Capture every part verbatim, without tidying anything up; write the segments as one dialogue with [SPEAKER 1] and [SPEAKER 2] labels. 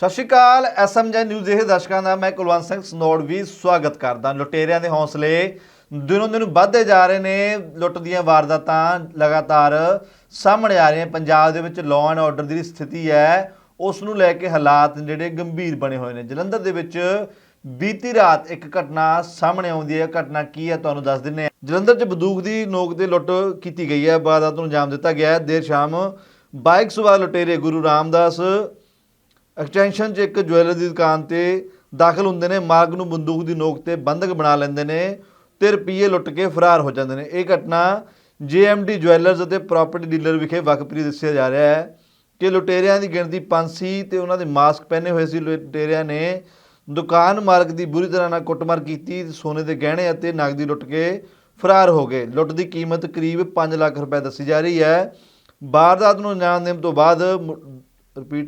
[SPEAKER 1] ਸਤਿ ਸ਼੍ਰੀ ਅਕਾਲ ਐਸ ਐਮ ਜੀ ਨਿਊਜ਼ ਦੇ ਦਰਸ਼ਕਾਂ ਦਾ ਮੈਂ ਕੁਲਵੰਤ ਸਿੰਘ ਸਨੋੜ ਵੀ ਸਵਾਗਤ ਕਰਦਾ। ਲੁਟੇਰਿਆਂ ਦੇ ਹੌਸਲੇ ਦਿਨੋਂ ਦਿਨ ਵੱਧਦੇ ਜਾ ਰਹੇ ਨੇ। ਲੁੱਟ ਦੀਆਂ ਵਾਰਦਾਤਾਂ ਲਗਾਤਾਰ ਸਾਹਮਣੇ ਆ ਰਹੀਆਂ। ਪੰਜਾਬ ਦੇ ਵਿੱਚ ਲਾਅ ਐਂਡ ਆਰਡਰ ਦੀ ਸਥਿਤੀ ਹੈ ਉਸ ਨੂੰ ਲੈ ਕੇ ਹਾਲਾਤ ਜਿਹੜੇ ਗੰਭੀਰ ਬਣੇ ਹੋਏ ਨੇ। ਜਲੰਧਰ ਦੇ ਵਿੱਚ ਬੀਤੀ ਰਾਤ ਇੱਕ ਘਟਨਾ ਸਾਹਮਣੇ ਆਉਂਦੀ ਹੈ। ਘਟਨਾ ਕੀ ਹੈ ਤੁਹਾਨੂੰ ਦੱਸ ਦਿੰਦੇ ਹਾਂ। ਜਲੰਧਰ 'ਚ ਬੰਦੂਕ ਦੀ ਨੋਕ ਤੇ ਲੁੱਟ ਕੀਤੀ ਗਈ ਹੈ। ਵਾਰਦਾਤ ਨੂੰ ਅੰਜਾਮ ਦਿੱਤਾ ਗਿਆ ਹੈ। ਦੇਰ ਸ਼ਾਮ ਬਾਈਕ ਸਵਾਰ ਲੁਟੇਰੇ ਗੁਰੂ ਰਾਮਦਾਸ ਐਕਸਟੈਂਸ਼ਨ 'ਚ ਇੱਕ ਜੁਐਲਰ ਦੀ ਦੁਕਾਨ ਤੇ ਦਾਖਲ ਹੁੰਦੇ ਨੇ। ਮਾਲਕ ਨੂੰ ਬੰਦੂਕ ਦੀ ਨੋਕ ਤੇ ਬੰਦਕ ਬਣਾ ਲੈਂਦੇ ਨੇ ਤੇ ਰੁਪਈਏ ਲੁੱਟ ਕੇ ਫਰਾਰ ਹੋ ਜਾਂਦੇ ਨੇ। ਇਹ ਘਟਨਾ ਜੇ ਐਮ ਡੀ ਜੁਐਲਰਸ ਅਤੇ ਪ੍ਰਾਪਰਟੀ ਡੀਲਰ ਵਿਖੇ ਵਕਫਰੀ ਦੱਸਿਆ ਜਾ ਰਿਹਾ ਹੈ ਕਿ ਲੁਟੇਰਿਆਂ ਦੀ ਗਿਣਤੀ ਪੰਜ ਸੀ ਤੇ ਉਹਨਾਂ ਦੇ ਮਾਸਕ ਪਹਿਨੇ ਹੋਏ ਸੀ। ਲੁਟੇਰਿਆਂ ਨੇ ਦੁਕਾਨ ਮਾਲਕ ਦੀ ਬੁਰੀ ਤਰ੍ਹਾਂ ਨਾਲ ਕੁੱਟਮਾਰ ਕੀਤੀ, ਸੋਨੇ ਦੇ ਗਹਿਣੇ ਅਤੇ ਨਕਦੀ ਲੁੱਟ ਕੇ ਫਰਾਰ ਹੋ ਗਏ। ਲੁੱਟ ਦੀ ਕੀਮਤ ਕਰੀਬ ਪੰਜ ਲੱਖ ਰੁਪਏ ਦੱਸੀ ਜਾ ਰਹੀ ਹੈ। ਵਾਰਦਾਤ ਨੂੰ ਅੰਜਾਮ ਦੇਣ ਤੋਂ ਬਾਅਦ ਰਿਪੀਟ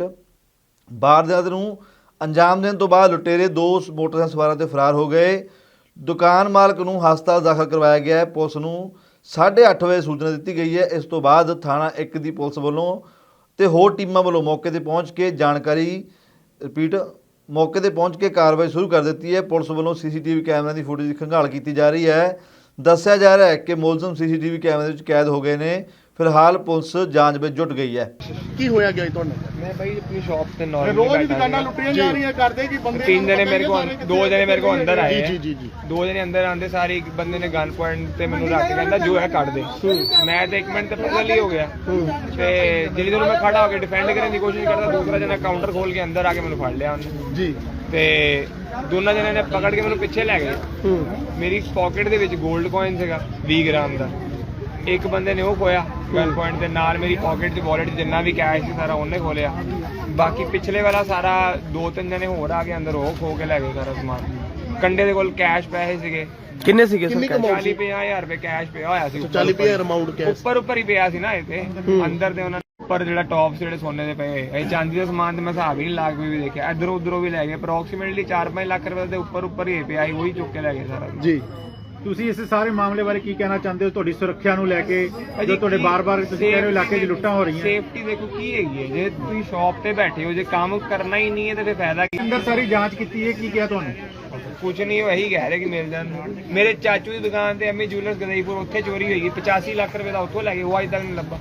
[SPEAKER 1] ਵਾਰਦਾਤ ਨੂੰ ਅੰਜਾਮ ਦੇਣ ਤੋਂ ਬਾਅਦ ਲੁਟੇਰੇ ਦੋ ਮੋਟਰਸਾਈਕਲ ਸਵਾਰਾਂ ਤੇ ਫਰਾਰ ਹੋ ਗਏ। ਦੁਕਾਨ ਮਾਲਕ ਨੂੰ ਹਸਪਤਾਲ ਦਾਖਲ ਕਰਵਾਇਆ ਗਿਆ ਹੈ। ਪੁਲਿਸ ਨੂੰ ਸਾਢੇ ਅੱਠ ਵਜੇ ਸੂਚਨਾ ਦਿੱਤੀ ਗਈ ਹੈ। ਇਸ ਤੋਂ ਬਾਅਦ ਥਾਣਾ ਇੱਕ ਦੀ ਪੁਲਿਸ ਵੱਲੋਂ ਤੇ ਹੋਰ ਟੀਮਾਂ ਵੱਲੋਂ ਮੌਕੇ ਤੇ ਪਹੁੰਚ ਕੇ ਜਾਣਕਾਰੀ ਰਿਪੀਟ ਮੌਕੇ ਤੇ ਪਹੁੰਚ ਕੇ ਕਾਰਵਾਈ ਸ਼ੁਰੂ ਕਰ ਦਿੱਤੀ ਹੈ। ਪੁਲਿਸ ਵੱਲੋਂ ਸੀ ਸੀ ਟੀ ਵੀ ਕੈਮਰਿਆਂ ਦੀ ਫੁਟੇਜ ਦੀ ਖੰਗਾਲ ਕੀਤੀ ਜਾ ਰਹੀ ਹੈ। ਦੱਸਿਆ ਜਾ ਰਿਹਾ ਹੈ ਕਿ ਮੁਲਜ਼ਮ ਸੀ ਸੀ ਟੀ ਵੀ ਕੈਮਰੇ ਵਿੱਚ ਕੈਦ ਹੋ ਗਏ ਨੇ। ਫਿਲਹਾਲ ਪੁਲਿਸ ਜਾਂਚ ਵਿੱਚ ਜੁਟ ਗਈ ਹੈ।
[SPEAKER 2] ਕੀ ਹੋਇਆ ਗਿਆ ਤੁਹਾਨੂੰ?
[SPEAKER 3] मैं भाई अपनी शॉप पे नॉर्मली
[SPEAKER 2] रोज ही दुकाना लुटियां जा रही है करदे कि बंदे
[SPEAKER 3] तीन जने मेरे को दो जने मेरे को अंदर आए
[SPEAKER 2] जी जी जी
[SPEAKER 3] दो जने अंदर आंदे सारे एक बंदे ने गन पॉइंट ते मेनू रख के कहंदा जो है कट दे। मैं ते एक मिनट ते पगल ही हो गया ते जिल्ले दोनों मैं खड़ा होके डिफेंड करने की कोशिश करदा, दूसरा जना काउंटर खोल के अंदर आके मेनू फड़ लिया उन्हें
[SPEAKER 2] जी
[SPEAKER 3] ते दोनों जने ने पकड़ के मेनू पीछे ले गए। मेरी पॉकेट दे विच गोल्ड कॉइन सीगा बीस ग्राम दा। एक बंदे ने वो खोया गन पॉइंट के नाल। मेरी पॉकेट च वॉलेट जिन्ना भी कैश सी सारा उन्हें खोलिया। बाकी पिछले वाला सारा दो तीन जने होर आ गए अंदर, वो खो के ले गए सारा समान। कंडे दे कोल कैश पैसे सीगे
[SPEAKER 2] किन्ने सीगे सर?
[SPEAKER 3] चाली ਪੰਜਾਹ ਹਜ਼ਾਰ ਰੁਪਏ कैश ਪਿਆ ਹੋਇਆ ਸੀ।
[SPEAKER 2] चाली ਪੰਜਾਹ अमाउंट कैश
[SPEAKER 3] ਉੱਪਰ ਉੱਪਰ ਹੀ ਪਿਆ ਸੀ ਨਾ ਇਹ ਤੇ ਅੰਦਰ ਦੇ ਉਹਨਾਂ ਨੇ ਉੱਪਰ ਜਿਹੜਾ ਟੌਪ ਜਿਹੜੇ ਸੋਨੇ ਦੇ ਪਏ ਇਹ ਚਾਂਦੀ ਦਾ ਸਮਾਨ ਤੇ ਮੈਂ ਹਿਸਾਬ ਹੀ ਨਹੀਂ ਲਾ ਕੇ ਵੀ ਦੇਖਿਆ। ਇਧਰੋਂ ਉਧਰੋਂ ਵੀ ਲੈ ਗਏ। ਅਪਰੋਕਸੀਮੇਟਲੀ ਚਾਰ ਪੰਜ ਲੱਖ ਰੁਪਏ ਦੇ ਉੱਪਰ ਉੱਪਰ ਹੀ ਪਿਆ ਸੀ, ਉਹੀ ਚੁੱਕ ਕੇ ਲੈ ਗਏ ਸਾਰਾ
[SPEAKER 2] ਜੀ।
[SPEAKER 4] ਤੁਸੀਂ ਇਸ ਸਾਰੇ ਮਾਮਲੇ ਬਾਰੇ ਕੀ ਕਹਿਣਾ ਚਾਹੁੰਦੇ ਹੋ? ਤੁਹਾਡੀ ਸੁਰੱਖਿਆ ਨੂੰ ਲੈ ਕੇ ਜੋ ਤੁਹਾਡੇ ਬਾਰ-ਬਾਰ ਤੁਸੀਂ ਕਹਿ ਰਹੇ ਹੋ ਇਲਾਕੇ 'ਚ ਲੁੱਟਾਂ ਹੋ ਰਹੀਆਂ।
[SPEAKER 3] ਸੇਫਟੀ ਦੇਖੋ ਕੀ ਹੈਗੀ ਹੈ। ਜੇ ਤੁਸੀਂ ਸ਼ਾਪ ਤੇ ਬੈਠੇ ਹੋ, ਜੇ ਕੰਮ ਕਰਨਾ ਹੀ ਨਹੀਂ ਹੈ ਤੇ ਫਿਰ ਫਾਇਦਾ ਕੀ?
[SPEAKER 4] ਅੰਦਰ ਸਾਰੀ ਜਾਂਚ ਕੀਤੀ ਹੈ, ਕੀ ਕਿਹਾ ਤੁਹਾਨੂੰ?
[SPEAKER 3] ਕੁਛ ਨਹੀਂ, ਉਹ ਇਹੀ ਕਹਿ ਰਹੇ ਕਿ ਮਿਲ ਜਾਣ। ਮੇਰੇ ਚਾਚੂ ਦੀ ਦੁਕਾਨ ਤੇ ਐਮੀ ਜੁਐਲਰਸ ਗਦਈਪੁਰ ਉੱਥੇ ਚੋਰੀ ਹੋਈ, ਪਚਾਸੀ ਲੱਖ ਰੁਪਏ ਦਾ ਉੱਥੋਂ ਲੈ ਗਏ, ਉਹ ਅਜੇ ਤੱਕ ਨਹੀਂ ਲੱਭਾ।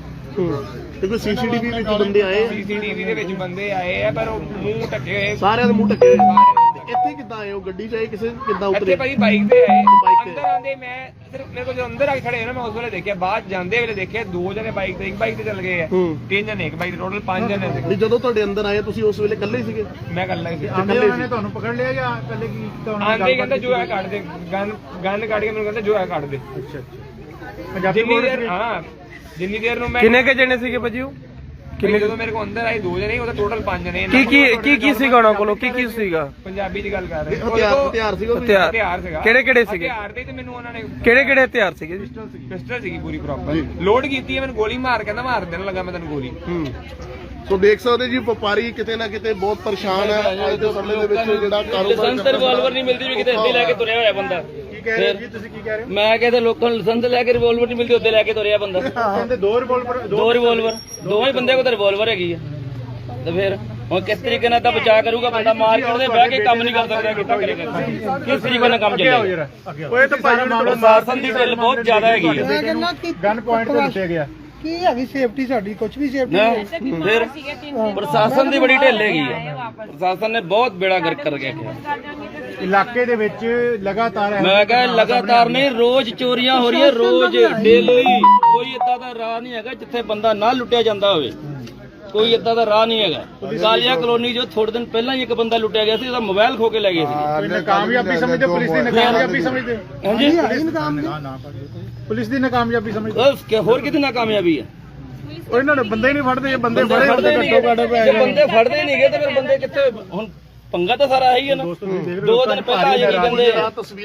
[SPEAKER 2] ਦੇਖੋ ਸੀਸੀਟੀਵੀ ਵਿੱਚ ਬੰਦੇ ਆਏ,
[SPEAKER 3] ਸੀਸੀਟੀਵੀ ਦੇ ਵਿੱਚ ਬੰਦੇ ਆਏ ਆ ਪਰ ਉਹ ਮੂੰਹ ਢੱਕੇ ਹੋਏ,
[SPEAKER 2] ਸਾਰਿਆਂ ਦੇ ਮੂੰਹ ਢੱਕੇ ਹੋਏ। ਇੱਥੇ ਕਿੱਦਾਂ ਆਏ ਹੋ? ਗੱਡੀ 'ਚ ਆਏ ਕਿਸੇ ਕਿੱਦਾਂ ਉਤਰੇ?
[SPEAKER 3] ਇੱਥੇ ਭਾਈ ਬਾਈਕ ਤੇ ਆਏ।
[SPEAKER 2] ਬਾਈਕ ਤੇ
[SPEAKER 3] ਅੰਦਰ ਆਂਦੇ ਮੈਂ ਸਿਰਫ ਮੇਰੇ ਕੋਲ ਜਦੋਂ ਅੰਦਰ ਆ ਕੇ ਖੜੇ ਹੋਏ ਨਾ ਮੈਂ ਉਸ ਵੇਲੇ ਦੇਖਿਆ। ਬਾਅਦ ਜਾਂਦੇ ਵੇਲੇ ਦੇਖਿਆ ਦੋ ਜਣੇ ਬਾਈਕ ਤੇ, ਇੱਕ ਬਾਈਕ ਤੇ ਚੱਲ ਗਏ ਆ, ਤਿੰਨ ਜਣੇ ਇੱਕ ਬਾਈਕ ਤੇ, ਟੋਟਲ ਪੰਜ ਜਣੇ ਸੀ।
[SPEAKER 2] ਜਦੋਂ ਤੁਹਾਡੇ ਅੰਦਰ ਆਏ ਤੁਸੀਂ ਉਸ ਵੇਲੇ ਇਕੱਲੇ ਹੀ ਸੀਗੇ?
[SPEAKER 3] ਮੈਂ ਇਕੱਲਾ ਹੀ ਸੀ।
[SPEAKER 4] ਆਂਦੇ ਉਹਨਾਂ ਨੇ ਤੁਹਾਨੂੰ ਪਕੜ ਲਿਆ ਜਾਂ ਇਕੱਲੇ ਕੀ ਕੀਤਾ ਉਹਨਾਂ ਨੇ?
[SPEAKER 3] ਆਂਦੇ ਕਹਿੰਦਾ ਜੋ ਹੈ ਕੱਢ ਦੇ, ਗਨ ਗਨ ਕੱਢ ਕੇ ਮੈਨੂੰ ਕਹਿੰਦਾ ਜੋ ਹੈ ਕੱਢ ਦੇ।
[SPEAKER 4] ਅੱਛਾ ਅੱਛਾ। ਪੰਜਾਬੀ
[SPEAKER 3] ਜਿੰਨੀ
[SPEAKER 4] ਬੋਲ
[SPEAKER 3] ਦੇਰ ਹਾਂ ਜਿੰਨੀ ਦੇਰ ਨੂੰ ਮੈਂ
[SPEAKER 5] ਕਿੰਨੇ ਕੇ ਜਣੇ ਸੀਗੇ ਭਾਜੀ? ਉਹ
[SPEAKER 3] ਕਿੰਨੇ ਜਦੋਂ ਮੇਰੇ ਕੋਲ ਅੰਦਰ ਆਏ ਦੋ ਜਣੇ, ਉਹਦਾ ਟੋਟਲ ਪੰਜ ਜਣੇ।
[SPEAKER 5] ਕੀ ਕੀ ਕੀ ਕੀ ਸੀਗਾ ਉਹਨਾਂ ਕੋਲੋਂ? ਕੀ ਕੀ ਸੀਗਾ?
[SPEAKER 3] ਪੰਜਾਬੀ ਦੀ ਗੱਲ ਕਰ ਰਹੇ
[SPEAKER 2] ਹਥਿਆਰ ਹਥਿਆਰ ਸੀਗਾ?
[SPEAKER 5] ਹਥਿਆਰ
[SPEAKER 3] ਹਥਿਆਰ ਸੀਗਾ।
[SPEAKER 5] ਕਿਹੜੇ ਕਿਹੜੇ ਸੀਗੇ?
[SPEAKER 3] ਹਥਿਆਰ ਦੇ ਤੇ ਮੈਨੂੰ ਉਹਨਾਂ ਨੇ
[SPEAKER 5] ਕਿਹੜੇ ਕਿਹੜੇ ਹਥਿਆਰ ਸੀਗੇ ਜੀ?
[SPEAKER 3] ਪਿਸਟਲ ਸੀਗੀ ਪੂਰੀ ਪ੍ਰੋਪਰ ਲੋਡ ਕੀਤੀ ਹੈ। ਮੈਨੂੰ ਗੋਲੀ ਮਾਰ ਕਹਿੰਦਾ ਮਾਰ ਦੇਣ ਲੱਗਾ ਮੈਂ ਤੈਨੂੰ ਗੋਲੀ।
[SPEAKER 2] ਹੂੰ ਸੋ ਦੇਖ ਸਕਦੇ ਜੀ ਵਪਾਰੀ ਕਿਤੇ ਨਾ ਕਿਤੇ ਬਹੁਤ ਪਰੇਸ਼ਾਨ ਹੈ ਅੱਜ ਦੇ ਸਮੇਂ ਦੇ ਵਿੱਚ ਜਿਹੜਾ ਕਾਰੋਬਾਰ
[SPEAKER 6] ਲਾਇਸੈਂਸ ਰਿਵਾਲਵਰ ਨਹੀਂ ਮਿਲਦੀ ਵੀ ਕਿਤੇ ਇੱਥੇ ਲੈ ਕੇ ਤੁਰਿਆ ਹੋਇਆ ਬੰਦਾ।
[SPEAKER 4] ਕੀ ਕਹਿ ਰਹੇ ਹੋ ਜੀ? ਤੁਸੀਂ ਕੀ ਕਹਿ ਰਹੇ ਹੋ?
[SPEAKER 6] ਮੈਂ ਕਹਿੰਦਾ ਲੋਕਾਂ ਨੂੰ ਲਾਇਸੈਂਸ ਲੈ ਕੇ ਰਿਵਾਲਵਰ ਨਹੀਂ ਮਿਲਦੀ, ਉੱਤੇ ਲੈ ਕੇ ਤੁਰਿਆ ਬੰਦਾ।
[SPEAKER 4] ਕਹਿੰਦੇ ਦੋ ਰਿਵੋਲਵਰ
[SPEAKER 6] ਦੋ ਰਿਵਾਲਵਰ ਦੋਵੇਂ ਬੰਦੇ ਕੋਲ ਤਾਂ ਰਿਵਾਲਵਰ ਹੈਗੀ ਆ ਤੇ ਫਿਰ ਹੁਣ ਕਿਸ ਤਰੀਕੇ ਨਾਲ ਤਾਂ ਬਚਾ ਕਰੂਗਾ ਬੰਦਾ? ਮਾਰਕੀਟ ਦੇ ਬਹਿ ਕੇ ਕੰਮ ਨਹੀਂ ਕਰ ਸਕਦਾ, ਕਿੱਦਾਂ ਕਰੇਗਾ? ਕਿਸ ਤਰੀਕੇ ਨਾਲ ਕੰਮ ਚੱਲੇਗਾ?
[SPEAKER 4] ਓਏ ਤਾਂ ਭਾਈ
[SPEAKER 6] ਪ੍ਰਸ਼ਾਸਨ ਦੀ ਢਿੱਲ ਬਹੁਤ ਜ਼ਿਆਦਾ ਹੈਗੀ ਆ।
[SPEAKER 4] ਗਨ ਪੁਆਇੰਟ ਤੋਂ ਲੁੱਟਿਆ ਗਿਆ।
[SPEAKER 7] ਕੀ ਹੈਗੀ ਸੇਫਟੀ ਸਾਡੀ? ਕੁਝ ਵੀ ਸੇਫਟੀ
[SPEAKER 6] ਨਾ ਫਿਰ ਪ੍ਰਸ਼ਾਸਨ ਦੀ ਬੜੀ ਢਿੱਲ ਹੈਗੀ ਆ। ਪ੍ਰਸ਼ਾਸਨ ਨੇ ਬਹੁਤ ਬੇੜਾ ਗਰਕ ਕਰ ਗਿਆ।
[SPEAKER 4] ਇਲਾਕੇ ਦੇ ਵਿੱਚ ਲਗਾਤਾਰ
[SPEAKER 6] ਮੈਂ ਕਹਾਂ ਲਗਾਤਾਰ ਨਹੀਂ, ਰੋਜ਼ ਚੋਰੀਆਂ ਹੋ ਰਹੀਆਂ, ਰੋਜ਼ ਡੇਲੀ। ਕੋਈ ਏਦਾਂ ਦਾ ਰਾਹ ਨਹੀਂ ਹੈਗਾ ਜਿੱਥੇ ਬੰਦਾ ਨਾ ਲੁੱਟਿਆ ਜਾਂਦਾ ਹੋਵੇ। ਕੋਈ ਏਦਾਂ ਦਾ ਰਾਹ ਨਹੀਂ ਹੈਗਾ। ਕਾਲੀਆ ਕਲੋਨੀ ਜੋ ਥੋੜੇ ਦਿਨ ਪਹਿਲਾਂ ਹੀ ਇੱਕ ਬੰਦਾ ਲੁੱਟਿਆ ਗਿਆ ਸੀ, ਉਹਦਾ ਮੋਬਾਈਲ ਖੋ ਕੇ ਲੈ ਗਏ ਸੀ।
[SPEAKER 4] ਕਾਮਯਾਬੀ ਸਮਝਦੇ? ਪੁਲਿਸ ਦੀ ਨਾਕਾਮਯਾਬੀ ਸਮਝਦੇ?
[SPEAKER 6] ਹਾਂਜੀ
[SPEAKER 4] ਪੁਲਿਸ ਦੀ ਨਾਕਾਮਯਾਬੀ ਸਮਝਦੇ?
[SPEAKER 6] ਬਸ ਹੋਰ ਕਿਤੇ ਨਾਕਾਮਯਾਬੀ ਹੈ?
[SPEAKER 4] ਉਹ ਇਹਨਾਂ ਨੇ ਬੰਦੇ ਹੀ ਨਹੀਂ ਫੜਦੇ। ਬੰਦੇ
[SPEAKER 6] ਬੰਦੇ ਫੜਦੇ ਨਹੀਂ ਗਏ, ਬੰਦੇ ਫੜਦੇ ਨਹੀਂ ਗਏ ਤੇ ਫਿਰ ਬੰਦੇ ਕਿੱਥੇ? ਹੁਣ ਪੰਗਾ ਤਾਂ ਸਾਰਾ ਆਹੀ ਹੈ ਨਾ। ਦੋ ਦਿਨ ਪਹਿਲਾਂ ਆ ਜਿਹੜੀ ਬੰਦੇ